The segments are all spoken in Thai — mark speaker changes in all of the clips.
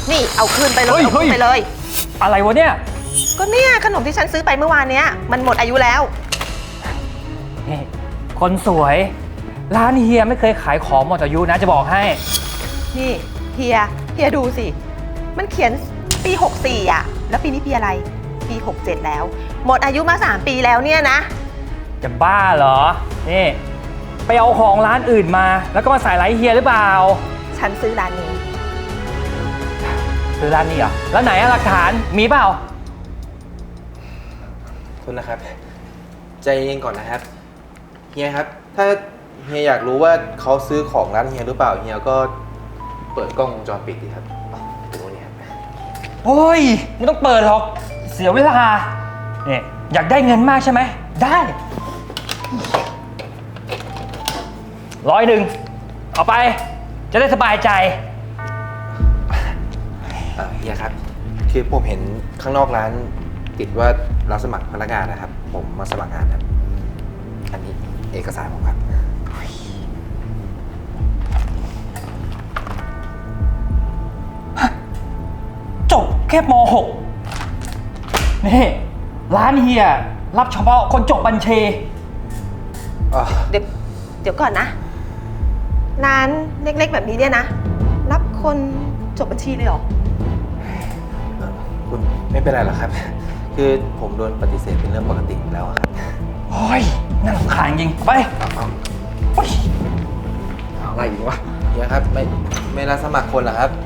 Speaker 1: นี่เอาคืนไปเลยเอาคืนไปเลย
Speaker 2: อะไรวะเนี่ย
Speaker 1: ก็เนี่ยขนมที่ฉันซื้อไปเมื่อวานเนี้ยมันหมดอายุแล้ว
Speaker 2: นี่คนสวยร้านเฮียไม่เคยขายของหมดอายุนะจะบอกให้
Speaker 1: นี่เฮียดูสิมันเขียนปี64อ่ะแล้วปีนี้ปีอะไรปี67แล้วหมดอายุมา3 ปีแล้วเนี่ยนะ
Speaker 2: จะบ้าเหรอนี่ไปเอาของร้านอื่นมาแล้วก็มาใส่ร้านเฮียหรือเปล่า
Speaker 1: ฉันซื้อร้านนี้
Speaker 2: ซื้อร้านนี้เหรอแล้วไหนหลักฐานมีเปล่า
Speaker 3: คุณนะครับใจเย็นก่อนนะครับเฮียครับถ้าเฮียอยากรู้ว่าเขาซื้อของร้านเฮียหรือเปล่าเฮียก็เปิดกล้องวงจรปิดดิครับดูนี่ครับ
Speaker 2: โอ้ยไม่ต้องเปิดหรอกเสียเวลาเนี่ยอยากได้เงินมากใช่ไหมได้100เอาไปจะได้สบายใจ
Speaker 3: เฮียครับคือผมเห็นข้างนอกร้านติดว่ารับสมัครพนักงานนะครับผมมาสมัครงานครับอันนี้เอกสารผมครับ
Speaker 2: จบแค่ม.6 นี่ร้านเฮียรับเฉพาะคนจบบัญชี
Speaker 1: เดี๋ยวก่อนนะร้านเล็กๆแบบนี้เนี่ยนะรับคนจบบัญชีเลยเหรอ
Speaker 3: คุณไม่เป็นไรหรอกครับคือผมโดนปฏิเสธเป็นเรื่องปกติแล้วครับ
Speaker 2: โอ้ยน่ารำคาญจริงไป
Speaker 3: อะไรอีกวะเฮียครับไม่รับสมัครคนเหรอครับ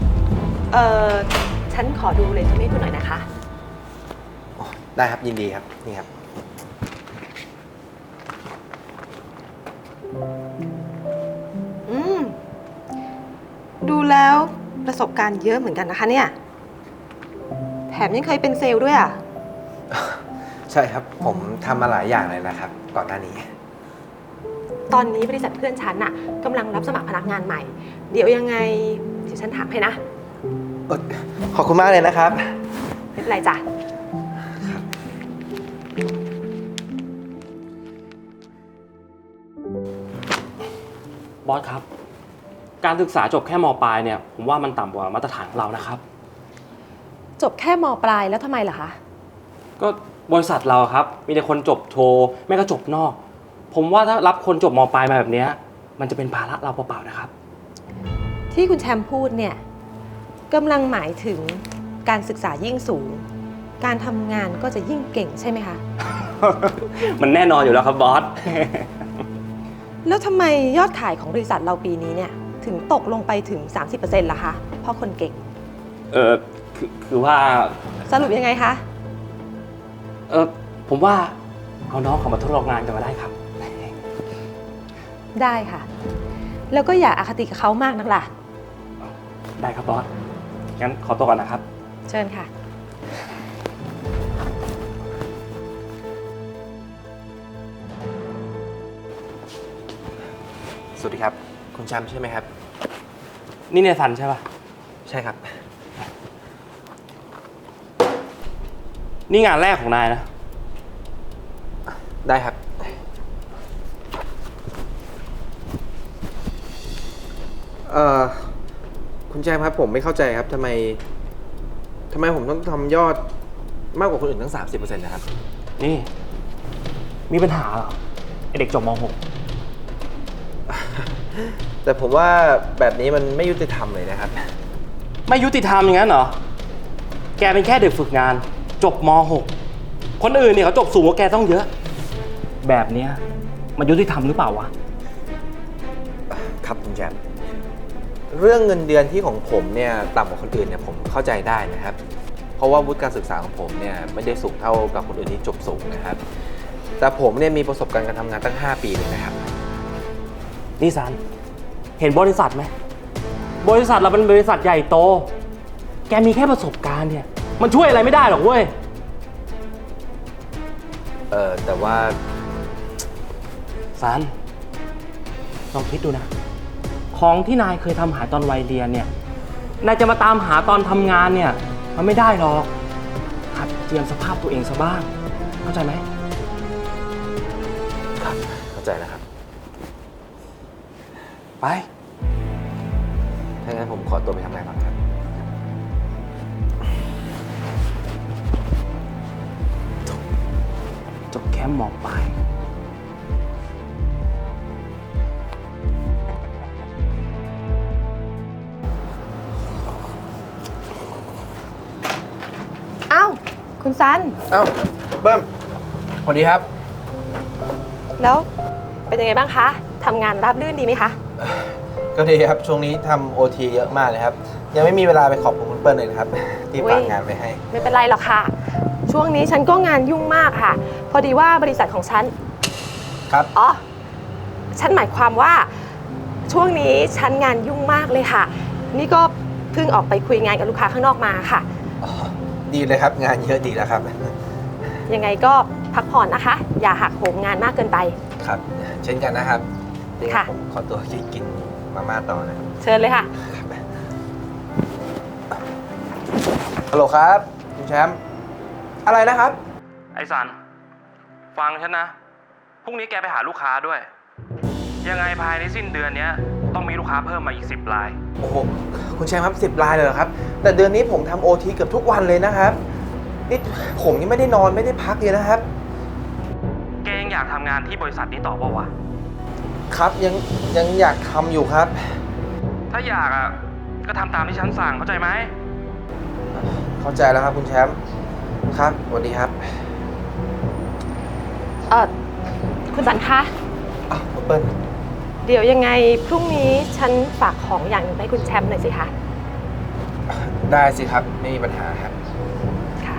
Speaker 1: ฉันขอดูเรซูเม่คุณหน่อยนะคะ
Speaker 3: ได้ครับยินดีครับนี่ครับ
Speaker 1: ดูแล้วประสบการณ์เยอะเหมือนกันนะคะเนี่ยแถมยังเคยเป็นเซลล์ด้วยอ่ะ
Speaker 3: ใช่ครับผมทำมาหลายอย่างเลยนะครับก่อนหน้านี้
Speaker 1: ตอนนี้บริษัทเพื่อนฉันน่ะกำลังรับสมัครพนักงานใหม่เดี๋ยวยังไงเดี๋ยวฉันถามให้นะ
Speaker 3: ขอบคุณมากเลยนะครับ
Speaker 1: ไม่เป็นไรจ้ะ
Speaker 4: บอสครับการศึกษาจบแค่ม.ปลายเนี่ยผมว่ามันต่ำกว่ามาตรฐานของเรานะครับ
Speaker 1: จบแค่ม.ปลายแล้วทำไมล่ะคะ
Speaker 4: ก็บริษัทเราครับมีแต่คนจบโทไม่ก็จบนอกผมว่าถ้ารับคนจบม.ปลายมาแบบนี้มันจะเป็นภาระเราเปล่าๆนะครับ
Speaker 1: ที่คุณแชมป์พูดเนี่ยกำลังหมายถึงการศึกษายิ่งสูงการทำงานก็จะยิ่งเก่งใช่ไหมคะ
Speaker 4: มันแน่นอนอยู่แล้วครับบอส
Speaker 1: แล้วทำไมยอดขายของบริษัทเราปีนี้เนี่ยถึงตกลงไปถึง 30% ล่ะคะเพราะคนเก่ง
Speaker 4: คือว่า
Speaker 1: สรุปยังไงคะ
Speaker 4: ผมว่าเอาน้องเขามาทดลองงานกันมาได้ครับ
Speaker 1: ได้ค่ะแล้วก็อย่าอคติกับเขามากนักล่ะ
Speaker 4: ได้ครับบอสงั้นขอตัวก่อนนะครับ
Speaker 1: เชิญค่ะ
Speaker 3: สวัสดีครับคุณแชมป์ใช่ไหมครับ
Speaker 4: นี่เนสันใช่ป่ะ
Speaker 3: ใช่ครับ
Speaker 4: นี่งานแรกของนายนะ
Speaker 3: ได้ครับคุณแชมป์ครับผมไม่เข้าใจครับทำไมผมต้องทำยอดมากกว่าคนอื่นตั้ง 30% นะครับ
Speaker 4: นี่มีปัญหาเหรอไอเด็กจบม.6
Speaker 3: แต่ผมว่าแบบนี้มันไม่ยุติธรรมเลยนะครับ
Speaker 4: ไม่ยุติธรรมอย่างนั้นเหรอแกเป็นแค่เด็กฝึกงานจบม.6 คนอื่นเนี่ยเขาจบสูงกว่าแกต้องเยอะแบบเนี้ยมันยุติธรรมหรือเปล่าวะ
Speaker 3: ครับคุณแชมป์เรื่องเงินเดือนที่ของผมเนี่ยต่ำกว่าคนอื่นเนี่ยผมเข้าใจได้นะครับเพราะว่าวุฒิการศึกษาของผมเนี่ยไม่ได้สูงเท่ากับคนอื่นที่จบสูงนะครับแต่ผมเนี่ยมีประสบการณ์การทำงานตั้ง5 ปีเลยนะครับ
Speaker 4: นี่ซันเห็นบริษัทไหมบริษัทเราเป็นบริษัทใหญ่โตแกมีแค่ประสบการณ์เนี่ยมันช่วยอะไรไม่ได้หรอกเว้ย
Speaker 3: แต่ว่า
Speaker 4: ซันลองคิดดูนะของที่นายเคยทำหายตอนวัยเรียนเนี่ยนายจะมาตามหาตอนทำงานเนี่ยมันไม่ได้หรอกหัดเตรียมสภาพตัวเองซะบ้างเข้าใจไหม
Speaker 3: ครับเข้าใจนะครับ
Speaker 4: ไป
Speaker 3: ถ้างั้นผมขอตัวไปทำงานก่อนครับ
Speaker 4: มป์มปลาย
Speaker 1: เอ้า คุณซัน
Speaker 3: เอ้าเบิ้มสวัสดีครับ
Speaker 1: แล้วเป็นยังไงบ้างคะทำงานราบรื่นดีไหมคะ
Speaker 3: ก็ดีครับ ช่วงนี้ทำโอทีเยอะมากเลยครับ ยังไม่มีเวลาไปขอบคุณคุณเปิ้ลเลยนะครับ ที่ฝากงานไปให้
Speaker 1: ไม่เป็นไรหรอกค่ะ ช่วงนี้ฉันก็งานยุ่งมากค่ะ พอดีว่าบริษัทของฉัน
Speaker 3: ครับ
Speaker 1: อ๋อ ฉันหมายความว่าช่วงนี้ฉันงานยุ่งมากเลยค่ะ นี่ก็เพิ่งออกไปคุยงานกับลูกค้าข้างนอกมาค่ะ
Speaker 3: อ๋อ ดีเลยครับ งานเยอะดีแล้วครับ
Speaker 1: ยังไงก็พักผ่อนนะคะ อย่าหักโหมงานมากเกินไป
Speaker 3: ครับ เช่นกันนะครับเดี๋ยว
Speaker 1: ค่ะ
Speaker 3: ผมขอตัวกินมาม่าต่อนะครับ
Speaker 1: เชิญเลยค่ะ
Speaker 3: ฮัลโหลครับ คุณแชมป์ อะไรนะครับ
Speaker 4: ไอ้สัน ฟังฉันนะ พรุ่งนี้แกไปหาลูกค้าด้วย ยังไงภายในสิ้นเดือนนี้ต้องมีลูกค้าเพิ่มมาอีก10 ราย
Speaker 3: โอ้โห คุณแชมป์ครับ10 รายเลยเหรอครับ แต่เดือนนี้ผมทำโอทีเกือบทุกวันเลยนะครับ นี่ผมยังไม่ได้นอนไม่ได้พักเลยนะครับ
Speaker 4: แกยังอยากทำงานที่บริษัทนี้ต่อเปล่าวะ
Speaker 3: ครับยังอยากทำอยู่ครับ
Speaker 4: ถ้าอยากอ่ะ ก็ทำตามที่ฉันสั่งเข้าใจไหม
Speaker 3: เข้าใจแล้วครับคุณแชมป์ ครับสวัสดีครับ
Speaker 1: คุณสันคะ
Speaker 3: อ้าวคุณเปิ้ล
Speaker 1: เดี๋ยวยังไงพรุ่งนี้ฉันฝากของอย่างหนึงให้คุณแชมป์หน่อยสิคะ
Speaker 3: ได้สิครับ ไม่มีปัญหาครับ
Speaker 1: ค่ะ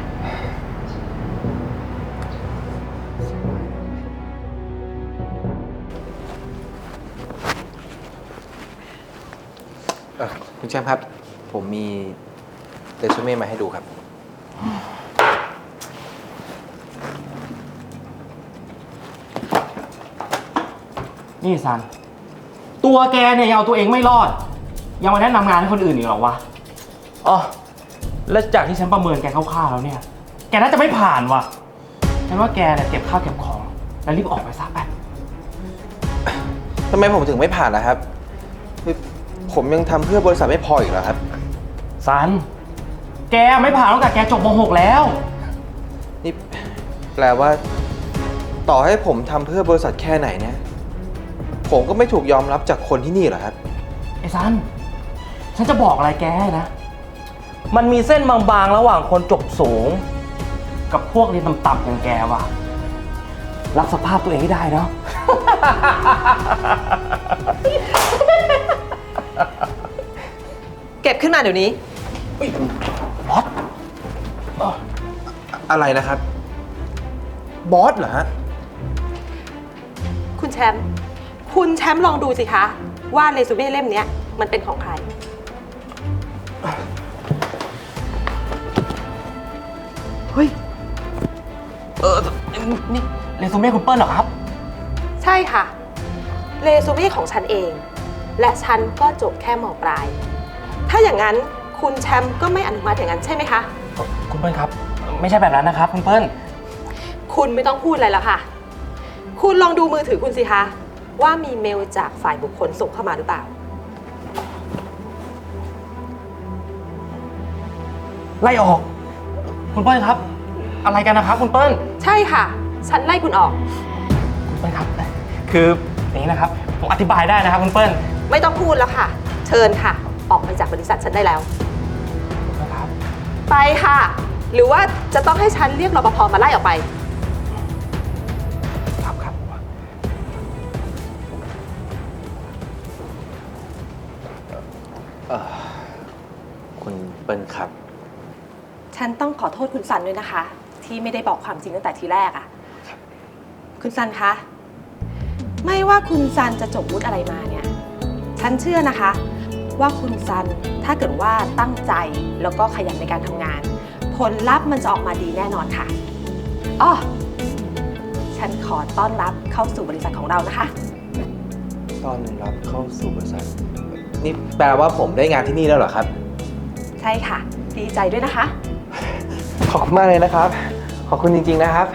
Speaker 3: คุณแชมป์ครับ ผมมีเรซูเม่มาให้ดูครับ
Speaker 4: นี่ซัน ตัวแกเนี่ยยังเอาตัวเองไม่รอด ยังมาแนะนำงานให้คนอื่นอีกเหรอวะ อ๋อ แล้วจากที่ฉันประเมินแกคร่าวๆแล้วเนี่ย แกน่าจะไม่ผ่านว่ะ ฉันว่าแกเนี่ยเก็บข้าวเก็บของ แล้วรีบออกไปซะไป
Speaker 3: ทำไมผมถึงไม่ผ่านล่ะครับคือผมยังทำเพื่อบริษัทไม่พออีกเหรอครับ
Speaker 4: ซัน แกไม่ผ่านตั้งแต่แกจบม .6 แล้ว
Speaker 3: นี่แปลว่า ต่อให้ผมทำเพื่อบริษัทแค่ไหนเนี่ย ผมก็ไม่ถูกยอมรับจากคนที่นี่เหรอครับ
Speaker 4: ไอ้ซัน ฉันจะบอกอะไรแกให้นะ มันมีเส้นบางๆระหว่างคนจบสูง กับพวกเรียนต่ำๆอย่างแกว่ะ รับสภาพตัวเองให้ได้เนาะ
Speaker 1: เก็บขึ้นมาเดี๋ยวนี้
Speaker 4: บอส
Speaker 3: อะไรนะครับ บอสเหรอฮะ
Speaker 1: คุณแชมป์ คุณแชมป์ลองดูสิคะ ว่าเรซูเม่เล่มเนี้ยมันเป็นของใคร
Speaker 4: เฮ้ย นี่เรซูเม่คุณเปิ้ลเหรอครับ
Speaker 1: ใช่ค่ะ เรซูเม่ของฉันเอง และฉันก็จบแค่ม.ปลาย ถ้าอย่างนั้นคุณแชมป์ก็ไม่อนุมัติอย่างนั้นใช่ไหมคะ
Speaker 4: คุณเปิ้ลครับ ไม่ใช่แบบนั้นนะครับคุณเปิ้ล
Speaker 1: คุณไม่ต้องพูดอะไรแล้วค่ะ คุณลองดูมือถือคุณสิคะ ว่ามีเมลจากฝ่ายบุคคลส่งเข้ามาหรือเปล่า
Speaker 4: ไล่ออก คุณเปิ้ลครับ อะไรกันนะครับคุณเปิ้ล
Speaker 1: ใช่ค่ะ ฉันไล่คุณออก
Speaker 4: คุณเปิ้ลครับ คืออย่างนี้นะครับ ผมอธิบายได้นะครับคุณเปิ้ล
Speaker 1: ไม่ต้องพูดแล้วค่ะ เชิญค่ะ ออกไปจากบริษัทฉันได้แล้ว
Speaker 4: นะครับ
Speaker 1: ไปค่ะ หรือว่าจะต้องให้ฉันเรียกรปภมาไล่ออกไป
Speaker 4: ครับครับ
Speaker 3: คุณเปิ้ลครับ
Speaker 1: ฉันต้องขอโทษคุณซันด้วยนะคะ ที่ไม่ได้บอกความจริงตั้งแต่ทีแรกอะคุณซันคะ ไม่ว่าคุณซันจะจบวุฒิอะไรมาเนี่ย ฉันเชื่อนะคะ ว่าคุณซันถ้าเกิดว่าตั้งใจแล้วก็ขยันในการทำงาน ผลลัพธ์มันจะออกมาดีแน่นอนค่ะอ้อฉันขอต้อนรับเข้าสู่บริษัทของเรานะคะ
Speaker 3: ต้อนรับเข้าสู่บริษัท นี่แปลว่าผมได้งานที่นี่แล้วเหรอครับ
Speaker 1: ใช่ค่ะ ดีใจด้วยนะคะ
Speaker 3: ขอบคุณมากเลยนะครับ ขอบคุณจริงๆนะครับ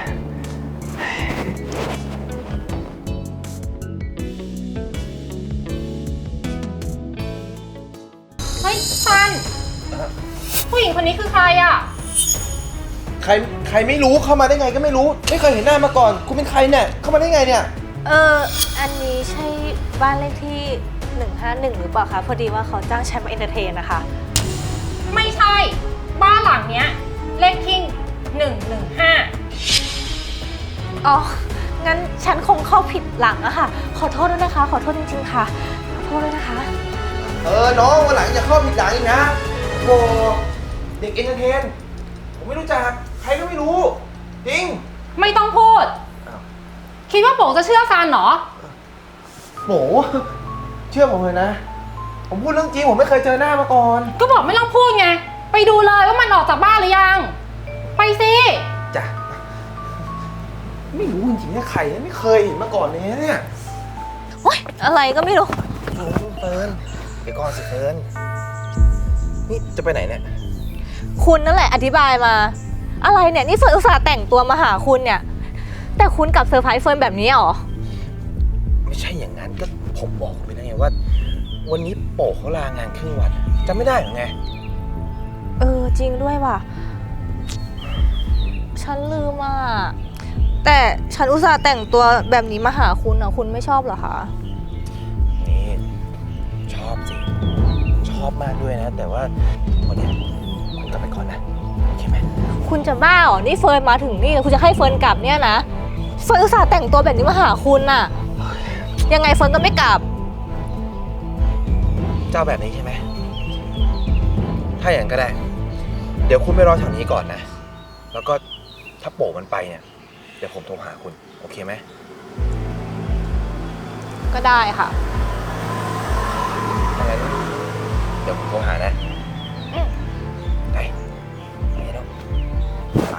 Speaker 5: เฮ้ยซัน ผู้หญิงคนนี้คือใครอ่ะ
Speaker 3: ใครไม่รู้เข้ามาได้ไงก็ไม่รู้ ไม่เคยเห็นหน้ามาก่อน คุณเป็นใครเนี่ยเข้ามาได้ไงเนี่ย
Speaker 5: อันนี้ใช่บ้านเลขที่ 151 หรือเปล่าคะ พอดีว่าเขาจ้างฉันมาเอนเตอร์เทนนะคะ
Speaker 6: ไม่ใช่ บ้านหลังเนี้ยเลขที่115
Speaker 5: อ๋อ งั้นฉันคงเข้าผิดหลังอะค่ะ ขอโทษด้วยนะคะ ขอโทษจริงๆค่ะ ขอโทษด้วยนะคะ
Speaker 3: น้องวันหลังอย่าเข้าผิดหลังอีกนะโอ้เด็กเอนเตอร์เทน ผมไม่รู้จัก ใครก็ไม่รู้ จริง
Speaker 6: ไม่ต้องพูด
Speaker 3: อ้าว
Speaker 6: คิดว่าโป๋จะเชื่อซันเหรอ
Speaker 3: โหเชื่อผมเลยนะ ผมพูดเรื่องจริง ผมไม่เคยเจอหน้ามาก่อน
Speaker 6: ก็บอกไม่ต้องพูดไง ไปดูเลยว่ามันออกจากบ้านหรือยัง ไปสิ
Speaker 3: จ้ะ ไม่รู้จริงๆว่าใครไม่เคยเห็นมาก่อนเลยนะเนี่ย
Speaker 5: โอ๊ย อะไรก็ไม่รู้
Speaker 3: เฟิร์นเดี๋ยวก่อนสิเฟิร์นนี่จะไปไหนเนี่ย
Speaker 5: คุณนั่นแหละอธิบายมา อะไรเนี่ย นี่เฟิร์นอุตส่าห์แต่งตัวมาหาคุณเนี่ย แต่คุณกลับเซอร์ไพรส์เฟิร์นแบบนี้เหรอ
Speaker 3: ไม่ใช่อย่างนั้นก็ผมบอกคุณไปแล้วไงว่า วันนี้โป๋เขาลางานครึ่งวันจำไม่ได้หรือไง
Speaker 5: จริงด้วยว่ะ ฉันลืมอ่ะ แต่ฉันอุตส่าห์แต่งตัวแบบนี้มาหาคุณอ่ะ คุณไม่ชอบเหรอคะ
Speaker 3: นี่ชอบสิ ชอบมากด้วยนะ แต่ว่าวันนี้คุณกลับไปก่อนนะ โอเคไหม
Speaker 5: คุณจะบ้าเหรอ นี่เฟิร์นมาถึงนี่คุณจะให้เฟิร์นกลับเนี่ยนะ เฟิร์นอุตส่าห์แต่งตัวแบบนี้มาหาคุณน่ะ ยังไงเฟิร์นก็ไม่กลับ
Speaker 3: เจ้าแบบนี้ใช่ไหม ถ้าอย่างนั้นก็ได้ เดี๋ยวคุณไปรอแถวนี้ก่อนนะ แล้วก็ถ้าโป๋มันไปเนี่ย เดี๋ยวผมโทรหาคุณ โอเคไหม
Speaker 5: ก็ได้ค่ะ
Speaker 3: ถ้างั้นเดี๋ยวผมโทรหานะ
Speaker 5: อืม
Speaker 3: ไปไปแล้วไป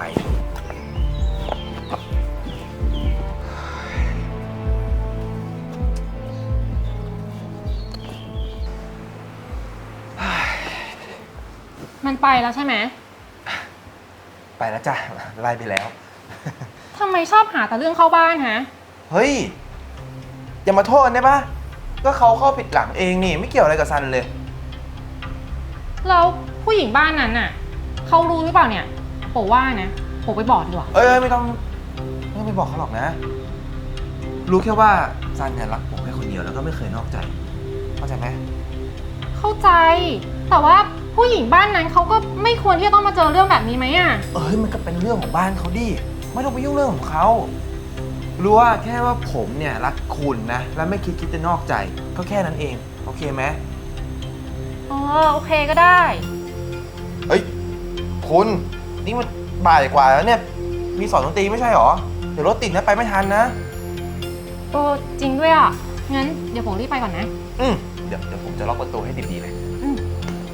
Speaker 6: มันไปแล้วใช่ไหม
Speaker 3: ไปแล้วจ้ะไล่ไปแล้ว
Speaker 6: ทำไมชอบหาแต่เรื่องเข้าบ้านฮะ
Speaker 3: เฮ้ย อย่ามาโทษได้ปะก็เขาเข้าผิดหลังเองนี่ ไม่เกี่ยวอะไรกับซันเลย
Speaker 6: แล้วผู้หญิงบ้านนั้นน่ะเขารู้หรือเปล่าเนี่ยโป๋ว่านะโป๋ไปบอกดีกว่า
Speaker 3: เอ้ยไม่ต้องไปบอกเขาหรอกนะ รู้แค่ว่าซันเนี่ยรักผมแค่คนเดียวแล้วก็ไม่เคยนอกใจ เข้าใจไหม
Speaker 6: เข้าใจ แต่ว่าผู้หญิงบ้านนั้นเขาก็ไม่ควรที่จะต้องมาเจอเรื่องแบบนี้ไหมอ่ะ
Speaker 3: เอ้ยมันก็เป็นเรื่องของบ้านเขาดิ ไม่ต้องไปยุ่งเรื่องของเขา รู้ว่าแค่ว่าผมเนี่ยรักคุณนะ แล้วไม่คิดจะนอกใจ ก็แค่นั้นเอง โอเคไหม
Speaker 6: อ๋อโอเคก็ได้
Speaker 3: เฮ้ย คุณ นี่มันบ่ายกว่าแล้วเนี่ย มีสอนดนตรีไม่ใช่หรอ เดี๋ยวรถติดนะไปไม่ทันนะ
Speaker 6: จริงด้วยอ่ะ งั้นเดี๋ยวผมรีบไปก่อนนะ
Speaker 3: เดี๋ยวผมจะล็อกประตูให้ดีๆเลย
Speaker 6: อืม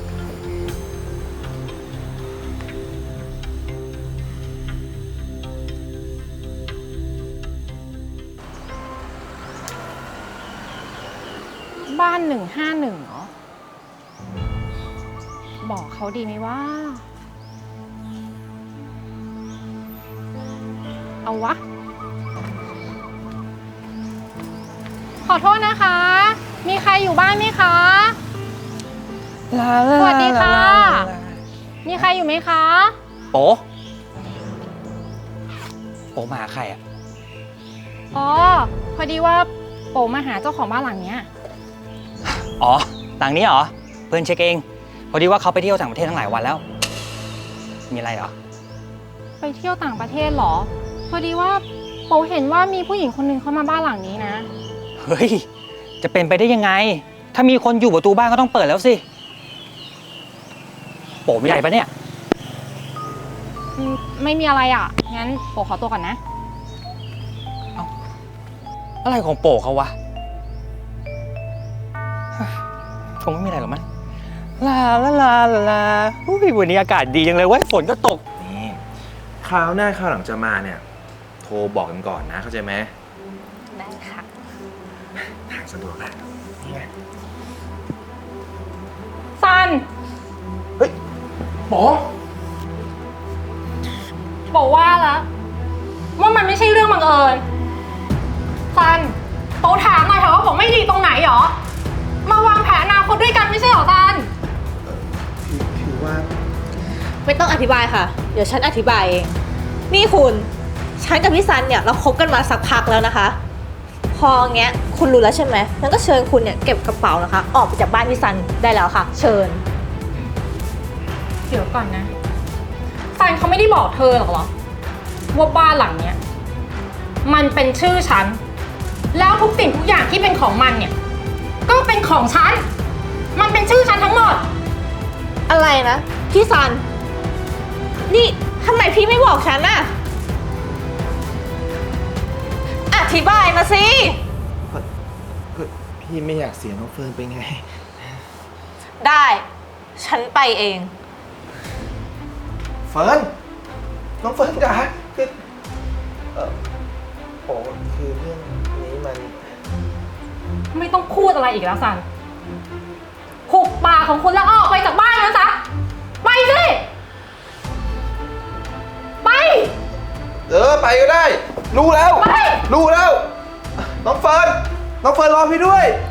Speaker 6: บ้าน151เหรอ บอกเขาดีไหมว่า เอาวะ ขอโทษนะคะ มีใครอยู่บ้านไหมคะ สวัสดีค่ะ มีใครอยู่ไหมคะ
Speaker 2: โป๋มาหาใครอ่ะ
Speaker 6: อ๋อ พอดีว่าโป๋มาหาเจ้าของบ้านหลังเนี้ย
Speaker 2: อ๋อหลังนี้เหรอ เพื่อนเช็คเอง พอดีว่าเขาไปเที่ยวต่างประเทศทั้งหลายวันแล้ว มีอะไรเหรอ
Speaker 6: ไปเที่ยวต่างประเทศเหรอ พอดีว่าโป๋เห็นว่ามีผู้หญิงคนหนึ่งเข้ามาบ้านหลังนี้นะ
Speaker 2: เฮ้ย จะเป็นไปได้ยังไง ถ้ามีคนอยู่ประตูบ้านก็ต้องเปิดแล้วสิ โป๋มีอะไรปะเนี่ย
Speaker 6: ไม่มีอะไรอ่ะ งั้นโป๋ขอตัวก่อนนะ
Speaker 2: อะไรของโป๋เขาวะคงไม่มีอะไรหรอกมั้งลาอุ้ยวันนี้อากาศดีจังเลยเว้ยฝนก็ตก
Speaker 3: นี่คราวหน้าคราวหลังจะมาเนี่ย โทรบอกกันก่อนนะ เข้าใจไหม
Speaker 5: ได้ค่ะ
Speaker 3: ทางสะดวกนะนี่ไง
Speaker 6: ซัน
Speaker 3: เฮ้ยหมอ
Speaker 6: โป๋ว่าแล้วว่ามันไม่ใช่เรื่องบังเอิญ ซันโป๋ถามหน่อยเถอะว่าผมไม่ดีตรงไหนหรอ มาวางแผนอนาคตด้วยกันไม่ใช่หรอซัน
Speaker 3: คือว่า
Speaker 5: เวไม่ต้องอธิบายค่ะ เดี๋ยวฉันอธิบายเอง นี่คุณ ฉันกับพี่ซันเนี่ยเราคบกันมาสักพักแล้วนะคะ พออย่างเงี้ยคุณรู้แล้วใช่ไหมงั้นก็เชิญคุณเนี่ยเก็บกระเป๋านะคะ ออกไปจากบ้านพี่ซันได้แล้วค่ะ เชิญ
Speaker 6: เดี๋ยวก่อนนะซันเขาไม่ได้บอกเธอหรอกเหรอว่าบ้านหลังเนี้ยมันเป็นชื่อฉัน แล้วทุกสิ่งทุกอย่างที่เป็นของมันเนี่ย ก็เป็นของฉัน มันเป็นชื่อฉันทั้งหมด
Speaker 5: อะไรนะ พี่ซัน นี่ทำไมพี่ไม่บอกฉันน่ะ อธิบายมาสิ
Speaker 7: ก็พี่ไม่อยากเสียน้องเฟิร์นไปไง
Speaker 5: ได้ ฉันไปเอง
Speaker 7: เฟิร์น น้องเฟิร์นจ๋าคือโอ้คือเรื่องนี้มัน
Speaker 6: ไม่ต้องพูดอะไรอีกแล้วซันหุบปากของคุณแล้วออกไปจากบ้านนั้นซะ ไปสิ ไป
Speaker 7: ไปก็ได้ รู้แล้ว
Speaker 6: ไป
Speaker 7: รู้แล้ว น้องเฟิร์น น้องเฟิร์นรอพี่ด้วย